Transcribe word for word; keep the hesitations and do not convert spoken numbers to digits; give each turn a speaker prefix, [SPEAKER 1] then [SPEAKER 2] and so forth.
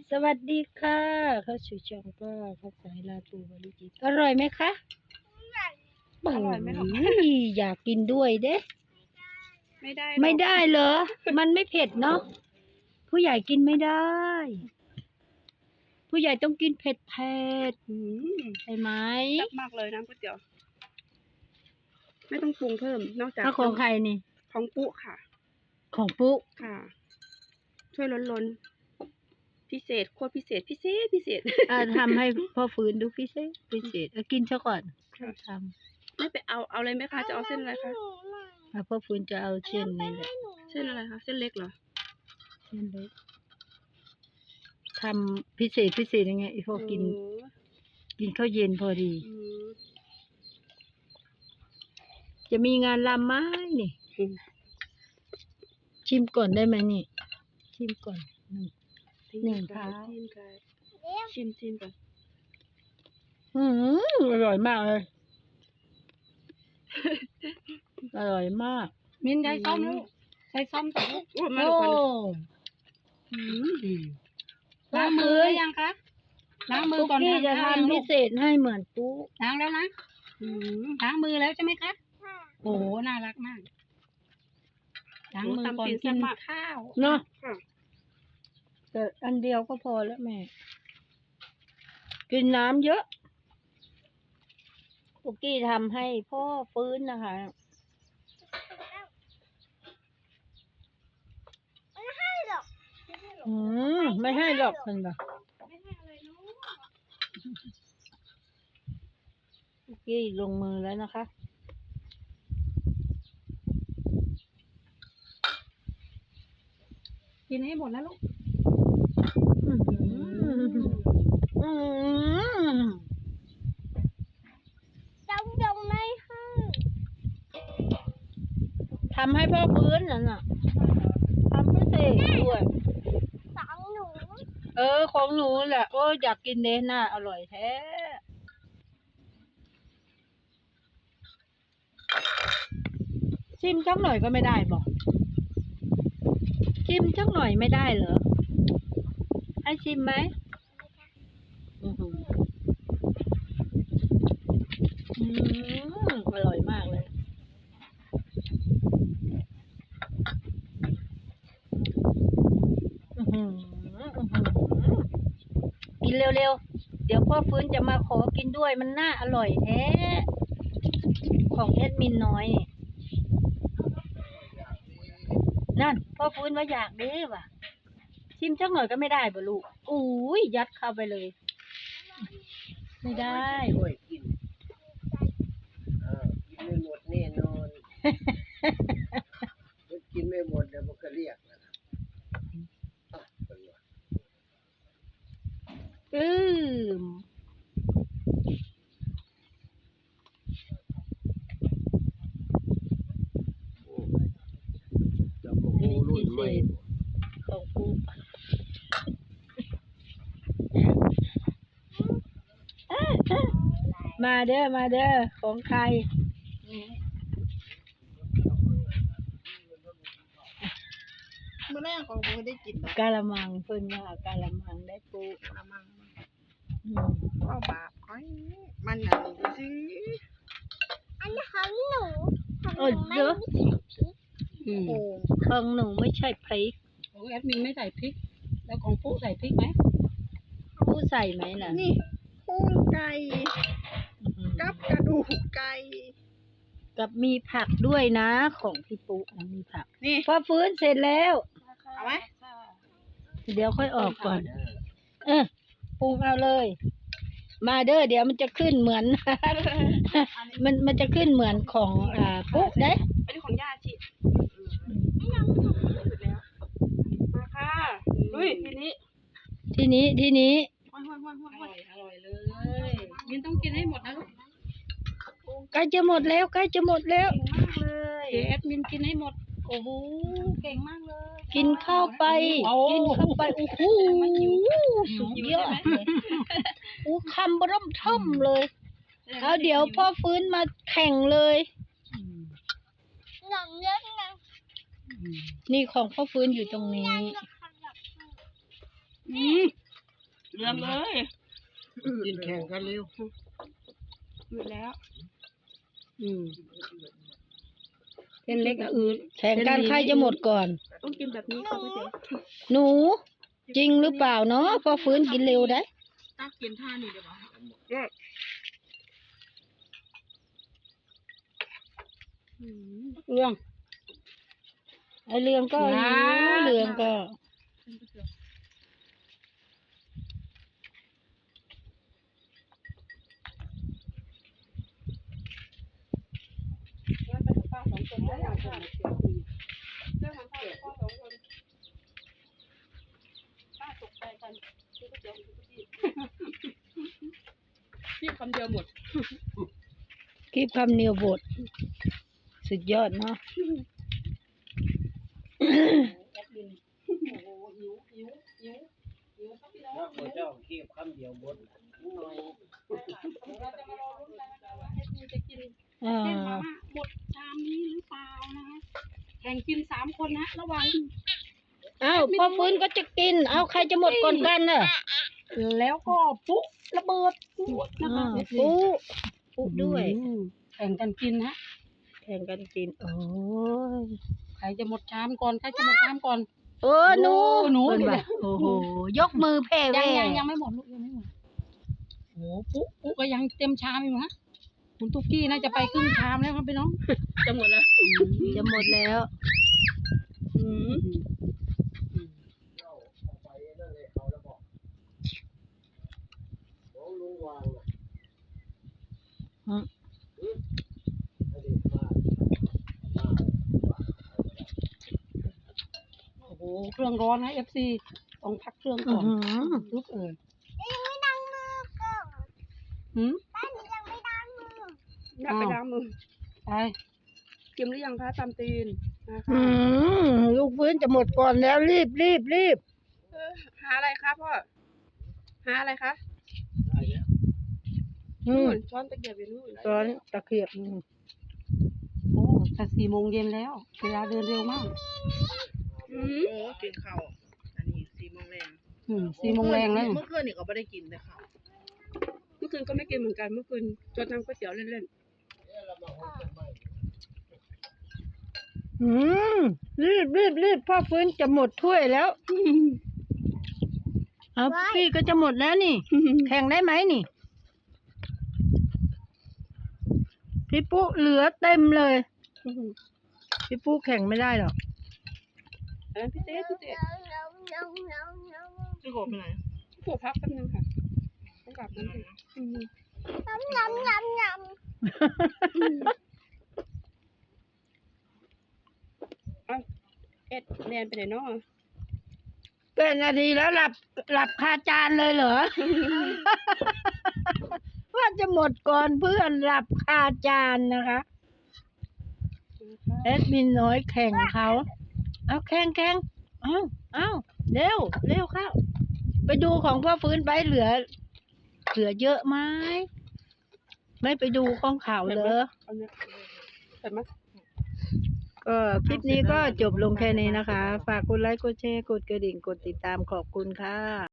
[SPEAKER 1] สวัสดีค่ะเข้าสู่ช่องก็ข้าวสายลาตูบริจิตอร่อยไหมคะอร่อยไหมหรออยากกินด้วยเด้
[SPEAKER 2] ไม่ได้
[SPEAKER 1] ไม่ได้เหรอมันไม่เผ็ดเนาะผู้ใหญ่กินไม่ได้ ผู้ใหญ่ต้องกินเผ็ดเผ็ดใช่ไหม
[SPEAKER 2] แซ่บมากเลยน้ำก๋วยเตี๋ยวไม่ต้องปรุงเพิ่มนอกจาก
[SPEAKER 1] ถ้าของใครนี่
[SPEAKER 2] ของปุ๊ค่ะ
[SPEAKER 1] ของปุ๊
[SPEAKER 2] ค่ะ ช่วยล้นล้นพิเศษโคตรพิเศษพิเศษพิเศษ
[SPEAKER 1] อ่าทำให้พ่อฟื้นดูพิเศษพิเศษเอากินซะก่อนทำ
[SPEAKER 2] ไม่ไปเอาเอาอะไรไหมคะจะเอาเส้นอะไรคะ
[SPEAKER 1] อ่ะพ่อฟื้นจะเอาเส้นนี่แหละ
[SPEAKER 2] เส้นอะไรคะเส้นเล็กเหรอ
[SPEAKER 1] เส้นเล็กทำพิเศษพิเศษยังไงพอกิน
[SPEAKER 2] โอ้
[SPEAKER 1] กินข้าวเย็นพอดี
[SPEAKER 2] อืม
[SPEAKER 1] จะมีงานรำไหมนี่
[SPEAKER 2] อืม
[SPEAKER 1] ชิมก่อนได้ไหมนี่ ชิมก่อนหนึ่ง หนึ่ง
[SPEAKER 2] ไก่
[SPEAKER 1] เท้า
[SPEAKER 2] จิ้มไก่ชิมชิมก่อน
[SPEAKER 1] อืมอร่อยมากเลย อร่อยมาก
[SPEAKER 2] มินใช้ซ้อมลูกใช้ซ้อมต่อลูกโอ้มา
[SPEAKER 1] โอ้
[SPEAKER 2] ลูกอืมดีล้างมือหรือยังคะล้างมือ
[SPEAKER 1] ปุ๊ก
[SPEAKER 2] ก่อน
[SPEAKER 1] กี้จะ
[SPEAKER 2] ทานข้าวยัง
[SPEAKER 1] ทำ
[SPEAKER 2] ลู
[SPEAKER 1] พิ
[SPEAKER 2] ก
[SPEAKER 1] เศษให้เหมือนปุ๊
[SPEAKER 2] ล้างแล้วนะอืมล้างมือแล้วใช่ไหมคะโอ้โหน่ารักมากล้างมือก่อนกินข้าว
[SPEAKER 1] เนาะ
[SPEAKER 2] ค่ะ
[SPEAKER 1] แต่อันเดียวก็พอแล้วแม่ กินน้ำเยอะปุ๊กกี้ทำให้พ่อฟื้นนะคะ อืมไม่ให้หรอกคุณบ่ปุ๊กกี้ลงมือแล้วนะคะ
[SPEAKER 2] กินให้หมดนะลูก
[SPEAKER 1] อืมอืม
[SPEAKER 3] ต้องยงไม่ให้
[SPEAKER 1] ทำให้พ่อฟื้นนั่นน่ะทำพิเศษด้วย
[SPEAKER 3] สองหนู
[SPEAKER 1] เออของหนูแหละโอ้ยอยากกินเนน่าอร่อยแท้ ชิมจักหน่อยก็ไม่ได้บอกชิมจักหน่อยไม่ได้เหรอ ให้ชิมไหมอือหืออืมอร่อยมากเลย อือหืออื้อหือกินเร็วๆ เดี๋ยวพ่อฟื้นจะมาขอกินด้วยมันน่าอร่อยแท้ ของแอดมินน้อยนี่นั่นพ่อฟื้นว่าอยากเด้ว่ะ ชิมจักหน่อยก็ไม่ได้บ่ลูกอุ้ยยัดเข้าไปเลย ไม่ได้
[SPEAKER 4] ช่วยกินเออกินไม่หมดแน่นอนถ้ากินไม่หมดเดี๋ยวมันก็เรียกนะครับอ่ะเป็นไง
[SPEAKER 1] อืม
[SPEAKER 4] โอ้จะมาโอ้รุ่นใหม่
[SPEAKER 1] ของปูมาเด้อมาเด้อของใคร
[SPEAKER 2] เมื่อแรกของผมได้กิน
[SPEAKER 1] กะละมังเพิ่นว่ากะละมังได้ปู
[SPEAKER 2] กระมัง
[SPEAKER 1] อืม
[SPEAKER 2] ก็บาปไอ้มันอ่ะดูสิ
[SPEAKER 3] อันนี้ของหนูของห
[SPEAKER 1] โอ้
[SPEAKER 3] นู
[SPEAKER 1] ย
[SPEAKER 3] ไม่
[SPEAKER 1] เยอะ
[SPEAKER 3] มีเสียงพริก
[SPEAKER 1] อืม
[SPEAKER 2] โอ้
[SPEAKER 1] ของหนูไม่ใช่พริก
[SPEAKER 2] ของแอดมินไม่ใส่พริก แล้วของปุ๊ใส่พริกไหม
[SPEAKER 1] ผู้ใส่ไหมล่ะ
[SPEAKER 2] นี่พุงไก่
[SPEAKER 1] อืม
[SPEAKER 2] กับกระดูกไก่
[SPEAKER 1] กับมีผักด้วยนะของพี่ปุ๊นะมีผัก
[SPEAKER 2] นี่
[SPEAKER 1] พอฟื้นเสร็จแล้ว
[SPEAKER 2] เอาไหม
[SPEAKER 1] เดี๋ยวค่อยออกก่อน เออปรุงเอาเลย มาเด้อเดี๋ยวมันจะขึ้นเหมือน มันมันจะขึ้นเหมือนของอ่าปุ๊เด้
[SPEAKER 2] อันนี้ของย่าชิมาค่ะอุ้ยทีนี้
[SPEAKER 1] ทีนี้ทีนี้
[SPEAKER 2] ห้อยห้อยห้อยห้อยอร่อยเลยยินต้องกินให้หมดนะลูก
[SPEAKER 1] ใกล้จะหมดแล้วใกล้จะหมดแล้ว
[SPEAKER 2] เก่งมากเลยแอดมินกินให้หมด โอ้โหเก่งมากเลย
[SPEAKER 1] กินข้าวไป
[SPEAKER 2] โอ้
[SPEAKER 1] กินเข้าไปโอ้โหสุดยอดเลยโอ้คำบร่มท่อมเลยเอาเดี๋ยวพ่อฟื้นมาแข่งเลย
[SPEAKER 3] หนังเยอะไง
[SPEAKER 1] นี่ของพ่อฟื้นอยู่ตรงนี้
[SPEAKER 3] จะขยับ
[SPEAKER 2] อืมเรื่องเลย
[SPEAKER 4] กินแข่งกันเร็ว
[SPEAKER 2] หยุดแล้ว อืมเส้นเล็กกับอืด
[SPEAKER 1] แข่งกันใครจะหมดก่อน
[SPEAKER 2] ต้องกินแบบนี้ค่ะพี่เจ๊
[SPEAKER 1] หนู จริงหรือเปล่าเนาะพอฟื้นกินเร็วได้
[SPEAKER 2] ตักกินท่านี่เดี๋ยวบอกเรื่อง
[SPEAKER 1] ไอเรืองก็หิวเรืองก็
[SPEAKER 2] ป้าสองคนได้อย่างค่ะเรื่องของพ่อพ่อสองคนป้าตกใจกันที่ก็เจอที่ที่คำเดียวหมด
[SPEAKER 1] คลิปคำเนียวบท สุดยอดเนาะ
[SPEAKER 2] แอดมินโอ้โหหิวหิวหิวหิวครับพี่น้อง
[SPEAKER 4] นักเจ้าเก็บคำเดียวบดหน่อย
[SPEAKER 2] เราจะมารอรุ้นกันนะคะว่าแอดมินจะกิน
[SPEAKER 1] อ่า
[SPEAKER 2] เส้นมาม่าหมดชามนี้หรือเปล่านะคะแข่งกินสามคนนะระวัง
[SPEAKER 1] เอ้าพอฟื้นก็จะกิน เอาใครจะหมดก่อนกันน่ะ
[SPEAKER 2] แล้วก็ปุ๊ระเบิดปุ๊นะคะ
[SPEAKER 1] อ่าปุ๊ปุ๊ด้วย
[SPEAKER 2] อืมแข่งกันกินฮะ
[SPEAKER 1] แข่งกันกิน โอ้ย
[SPEAKER 2] ใครจะหมดชามก่อนใครจะหมดชามก่อน
[SPEAKER 1] เออหนู
[SPEAKER 2] หนู
[SPEAKER 1] เพิ่น
[SPEAKER 2] นี่
[SPEAKER 1] ว่า
[SPEAKER 2] แหละ
[SPEAKER 1] โอ้โห ยกมือแผ่
[SPEAKER 2] ยั
[SPEAKER 1] แว่
[SPEAKER 2] งยังยังไม่หมดลูกยังไม่หมดโอ้ปุ๊ปุ๊ก็ยังเต็มชามอยู่ฮะคุณตุ๊กกี้น่าจะไปครึ่งชามแล้วครับพี่น้องจะหมดแล้ว
[SPEAKER 1] จะหมดแล้ว
[SPEAKER 2] อืม
[SPEAKER 4] เจ้าเอาไปนั่นเลยเขาแล้วบอกของลุงวางน่ะ
[SPEAKER 1] อืม
[SPEAKER 4] อืมอดีตมามา
[SPEAKER 2] โอ้โหเครื่องร้อนนะเอฟซีต้องพักเครื่อง
[SPEAKER 1] อื้
[SPEAKER 2] ก่
[SPEAKER 1] อ
[SPEAKER 2] อน
[SPEAKER 1] หือ
[SPEAKER 2] ทุกเอ่ย
[SPEAKER 3] ยังไม่ดังมือก่อน
[SPEAKER 2] หืม
[SPEAKER 3] บ้านนี้ยังไม่ดังมือ
[SPEAKER 2] อยากไปล้างมือไปเตรียมหรือยังคะตามตีนนะคะ
[SPEAKER 1] อืมลูกฟื้นจะหมดก่อนแล้วรีบรีบรีบ
[SPEAKER 2] หาอะไรคะพ่อหาอะไรคะ
[SPEAKER 4] ได้แล้ว
[SPEAKER 1] อืม
[SPEAKER 2] ช้อนตะเกียบอยู่นู่น
[SPEAKER 1] ซ้อนตะเกียบอืม
[SPEAKER 2] โอ้แต่สี่โมงเย็นแล้วเวลาเดินเร็วมาก
[SPEAKER 5] อืมโอ้กินข้าวอันนี้สี่โมงแรง
[SPEAKER 2] อืมสี่โมงแรงแล้ว
[SPEAKER 5] เมื่อคืนนี่ก็ไม่ได้กินแต่ข้าว
[SPEAKER 2] เมื่อคืนก็ไม่กินเหมือนกันเมื่อคืนจนทำก๋วยเตี๋ยวเล่น
[SPEAKER 1] อืมรีบรีบรีบพ่อฟื้นจะหมดถ้วยแล้ว
[SPEAKER 2] ๆ
[SPEAKER 1] เอาพี่ก็จะหมดแล้วนี่ แข่งได้ไหมนี่ พี่ปุ๊เหลือเต็มเลย พี่ปุ๊แข่งไม่ได้หรอก
[SPEAKER 2] อันนั้นพี่เต้พี่เต้
[SPEAKER 3] น้องน้องน้องน้อง
[SPEAKER 5] พี่โกไปไหน
[SPEAKER 2] พี่โกพักแป๊บนึงค่ะต้องกลับนั่นสิอืม
[SPEAKER 3] น้องน้องน้องน้อง
[SPEAKER 2] เอ็ดแนนไปไหนเนาะ
[SPEAKER 1] เป็นนาทีแล้วหลับหลับคาจานเลยเหรอ ว่าจะหมดก่อนเพื่อนหลับคาจานนะคะแอดมินน้อยแข่งเขาเอาแข่งแข่งเอาเอาเร็วเร็วเข้าไปดูของพ่อฟื้นไปเหลือ เหลือเยอะไหมไม่ไปดูของเขาเหรอ
[SPEAKER 2] เอาเนี่ยเห็นไหม
[SPEAKER 1] ก็คลิปนี้ก็จบลงแค่นี้นะคะ ฝากกดไลค์กดแชร์กดกระดิ่งกดติดตามขอบคุณค่ะ